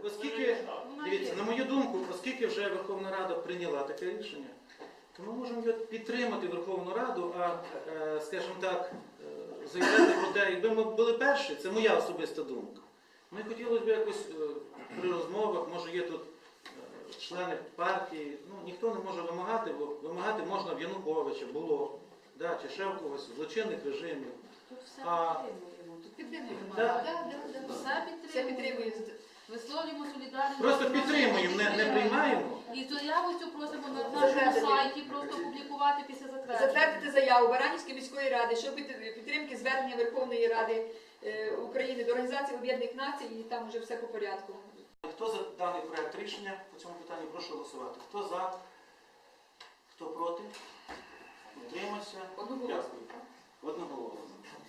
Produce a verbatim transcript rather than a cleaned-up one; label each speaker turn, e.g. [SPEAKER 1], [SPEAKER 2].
[SPEAKER 1] оскільки, дивіться, на мою думку, оскільки вже Верховна Рада прийняла таке рішення, то ми можемо підтримати Верховну Раду, а, скажімо так, заявляти про те, якби ми були перші, це моя особиста думка. Ми хотілося б якось при розмовах, може є тут члени партії, ну ніхто не може вимагати, бо вимагати можна в Януковича, було, да, чи ще в когось, злочинних режимів.
[SPEAKER 2] Тут все
[SPEAKER 1] А,
[SPEAKER 2] підтримуємо. Тут підтримуємо.
[SPEAKER 1] Да.
[SPEAKER 2] Да, да, да. Все
[SPEAKER 3] Все
[SPEAKER 2] підтримуємо.
[SPEAKER 3] підтримуємо.
[SPEAKER 2] Висловлюємо солідарність.
[SPEAKER 1] Просто підтримуємо, не, не приймаємо.
[SPEAKER 2] І заяву цю просимо на нашому
[SPEAKER 3] Затвердити.
[SPEAKER 2] сайті просто опублікувати після затвердження.
[SPEAKER 3] Затвердити заяву Баранівської міської ради щодо під- підтримки звернення Верховної Ради е, України до Організації Об'єднаних Націй, і там вже все по порядку.
[SPEAKER 1] Хто за даний проект рішення по цьому питанню, прошу голосувати. Хто за, хто проти, утримався.
[SPEAKER 3] Одноголосно.
[SPEAKER 1] Дякую. Одноголосно.